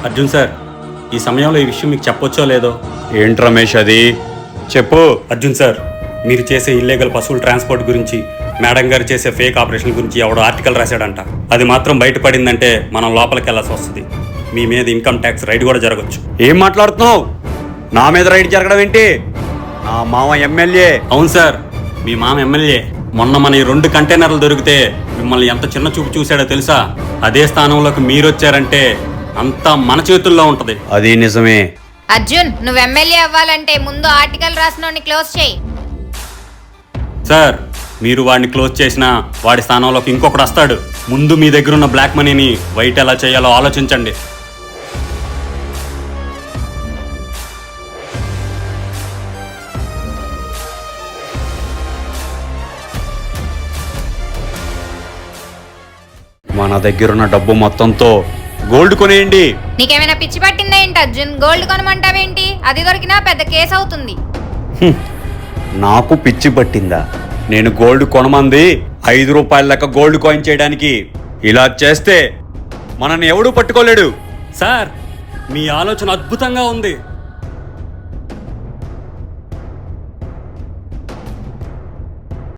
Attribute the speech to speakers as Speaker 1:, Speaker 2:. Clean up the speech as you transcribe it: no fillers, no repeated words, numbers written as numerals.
Speaker 1: Arjun sir, ఈ సమయంలో ఈ విషయం మీకు చెప్పొచ్చో లేదో.
Speaker 2: ఏంటి రమేష్ అది? చెప్పు.
Speaker 1: అర్జున్ సార్, మీరు చేసే ఇల్లీగల్ పశువుల ట్రాన్స్పోర్ట్ గురించి, మేడం గారు చేసే ఫేక్ ఆపరేషన్ గురించి ఎవడో ఆర్టికల్ రాశాడంట. అది మాత్రం బయటపడిందంటే మనం లోపలికి వెళ్ళాల్సి వస్తుంది. మీ మీద ఇన్కమ్ ట్యాక్స్ రైడ్ కూడా జరగచ్చు.
Speaker 2: ఏం మాట్లాడుతున్నావు? నా మీద రైడ్ జరగడం ఏంటి? నా మామ ఎమ్మెల్యే.
Speaker 1: అవును సార్, మీ మామ ఎమ్మెల్యే. మొన్న మన ఈ 2 కంటైనర్లు దొరికితే మిమ్మల్ని ఎంత చిన్న చూపు చూశాడో తెలుసా? అదే స్థానంలోకి మీరు వచ్చారంటే అంతా మన చేతుల్లో ఉంటది.
Speaker 2: అది నిజమే.
Speaker 3: అర్జున్, నువ్వు ఎమ్మెల్యే అవ్వాలంటే ముందు ఆర్టికల్ రాసినోడిని క్లోజ్ చేయి.
Speaker 1: సార్, మీరు వాడిని క్లోజ్ చేసినా వాడి స్థానంలోకి ఇంకొకడు వస్తాడు. ముందు మీ దగ్గర ఉన్న బ్లాక్ మనీని వైట్ ఎలా చేయాలో ఆలోచించండి.
Speaker 2: మన దగ్గరున్న డబ్బు మొత్తంతో గోల్డ్ కొనేయండి.
Speaker 3: నీకేమైనా పిచ్చి పట్టిందా ఏంటి అర్జున్? గోల్డ్ కొనమంటావేంటి? అది దొరికినా పెద్ద కేసు అవుతుంది.
Speaker 2: నాకు పిచ్చి పట్టిందా? నేను గోల్డ్ కొనమంది 5 రూపాయల లెక్క గోల్డ్ కాయిన్ చేయడానికి. ఇలా చేస్తే మనల్ని ఎవడూ పట్టుకోలేడు.
Speaker 1: సార్, మీ ఆలోచన అద్భుతంగా ఉంది.